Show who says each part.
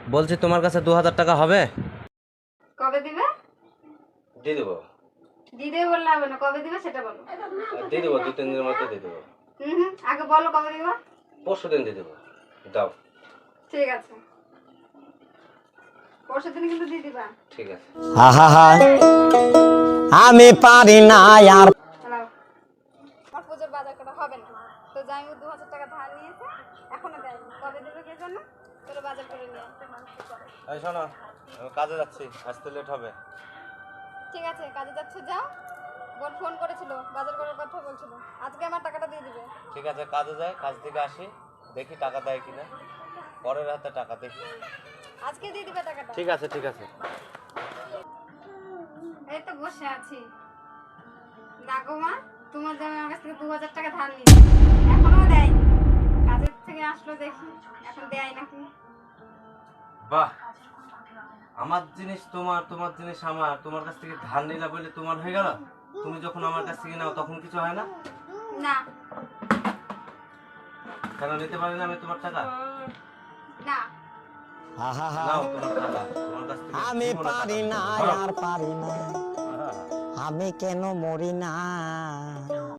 Speaker 1: বলছি তোমার কাছে 2000 টাকা হবে?
Speaker 2: কবে দিবে?
Speaker 1: দিয়ে দেবো।
Speaker 2: দিতে বললে হবে না, কবে দিবে সেটা বলো।
Speaker 1: দিয়ে দেবো, 2-3 দিনের মধ্যে দিয়ে দেবো।
Speaker 2: আগে বলো কবে দিবা।
Speaker 1: পরশু দিন দিয়ে দেবো। দাও।
Speaker 2: ঠিক আছে, পরশু দিন কিন্তু দিয়ে দিবা।
Speaker 1: ঠিক আছে।
Speaker 3: আমি পারি না আর।
Speaker 2: হ্যালো, আমার পুজোর বাজার করা হবে না, তো জামাইবু 2000 টাকা ধার নিয়েছে, এখনো দেয়নি। কবে দেবে কে জানো? তোর বাজার করে নিয়ে আসতে মানুষের করে।
Speaker 1: এই শোনো, আমি কাজে যাচ্ছি, আসতে লেট হবে।
Speaker 2: ঠিক আছে, কাজে যাচ্ছে যাও। বোন ফোন করেছিল, বাজার করার কথা বলছিল, আজকে আমার টাকাটা দিয়ে দিবে।
Speaker 1: ঠিক আছে, কাজে যাই, কাজ থেকে আসি, দেখি টাকা দেয় কিনা, পরের হাতে টাকা দেখি।
Speaker 2: আজকে দিয়ে দিবে টাকাটা।
Speaker 1: ঠিক আছে, ঠিক আছে।
Speaker 2: এই তো বসে আছি। দেখো মা, তোমার জামাই আমার কাছ থেকে 2000 টাকা ধার নিয়েছে, এখনো দেয়নি। কাজের থেকে আসলো দেখি এখন দেয় নাকি।
Speaker 1: বাহ, আমার জিনিস তোমার, তোমার জিনিস আমার, তোমার কাছ থেকে ধার নিলা বলে তোমার হয়ে গেল। তুমি যখন আমার কাছ থেকে নাও তখন কিছু হয় না?
Speaker 2: না
Speaker 1: কেন নিতে পারি না আমি তোমার টাকা?
Speaker 2: না,
Speaker 1: নাও তোমার টাকা, তোমার কাছ থেকে
Speaker 3: আমি
Speaker 1: নিবো না
Speaker 3: পারি
Speaker 1: টাকা।
Speaker 3: না
Speaker 1: ধরো।
Speaker 3: আর পারি না, আমি কেন মরি না।